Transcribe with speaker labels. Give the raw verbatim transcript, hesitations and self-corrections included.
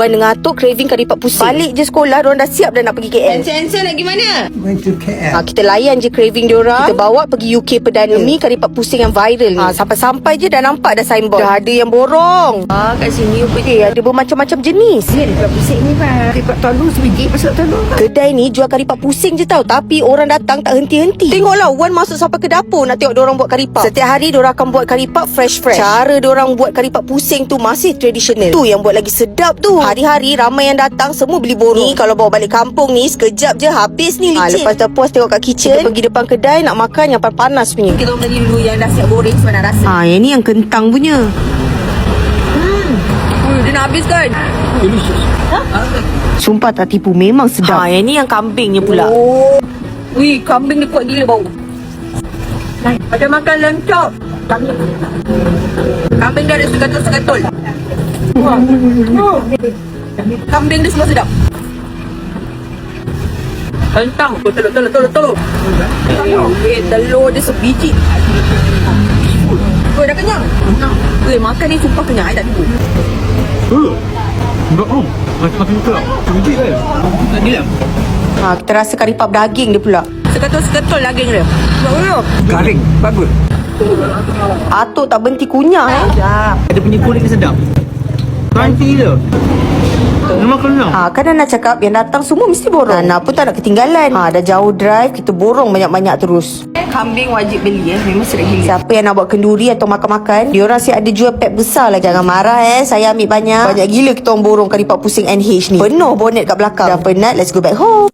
Speaker 1: Wan ngantuk, craving kari pak pusing. Balik je sekolah, diorang dah siap dah nak pergi K L.
Speaker 2: Answer nak pergi mana?
Speaker 3: Going to K L.
Speaker 1: Ha, kita layan je craving diorang. Kita bawa pergi U K Perdana. Demi kari pak pusing yang viral ni. Ha, sampai-sampai je dah nampak dah signboard. Dah ada yang borong.
Speaker 2: Ah, kat sini apa
Speaker 1: Eh, ada bermacam-macam jenis.
Speaker 2: dia dekat pusing ni pak. Karipak telur sebiji pasal telur.
Speaker 1: Kedai ni jual kari pak pusing je tau. Tapi orang datang tak henti-henti. Tengoklah, Wan masuk sampai ke dapur nak tengok diorang buat kari pak. Setiap hari diorang akan buat kari pak fresh-fresh. Cara diorang buat kari pak pusing tu masih tradisional. Tu yang buat lagi sedap tu. Hari-hari ramai yang datang, semua beli borong. Ni kalau bawa balik kampung ni, sekejap je habis ni licin. Ha, lepas dah puas tengok kat kitchen, kita pergi depan kedai nak makan yang panas punya.
Speaker 2: Kita orang tadi dulu yang dah siap goreng sebab nak rasa.
Speaker 1: Ha, yang ni yang kentang punya.
Speaker 2: Hmm, dia nak habis kan?
Speaker 3: Delicious.
Speaker 1: Sumpah tak tipu, memang sedap. Ha, yang ni yang kambingnya pula.
Speaker 2: Oh. Wih, kambing dia kuat gila bau. Ada makan lamb chop. Kambing dia ada segatul-segatul. Wah. Oh. Kambing dia semua sedap. Kentang. Oh, telur, telur, telur, telur. Eh, telur dia sebiji. Oh, dah kenyang. Weh, makan ni sumpah kenyang. I tak tipu.
Speaker 3: Enggak om. Macam makan ke? Sebiji kan? Tak gila.
Speaker 1: Ha, kita rasa kari pap daging dia pula.
Speaker 2: Segatul-segatul daging dia. Oh,
Speaker 3: Garing. Bagus.
Speaker 1: Atuk tak berhenti kunyah eh.
Speaker 3: Ada punya kulit ni sedap. Crunchy je. Memang kenyang.
Speaker 1: Ha, kan nak cakap yang datang semua mesti borong. Nana pun tak nak ketinggalan. Ha, dah jauh drive, kita borong banyak-banyak terus.
Speaker 2: kambing wajib beli eh. Memang sedap gila.
Speaker 1: Siapa yang nak buat kenduri atau makan-makan, diorang siap ada jual pack besar lah. Jangan marah eh, saya ambil banyak. Banyak gila kita orang borong kari pak pusing N H ni. Penuh bonet kat belakang. Dah penat, let's go back home.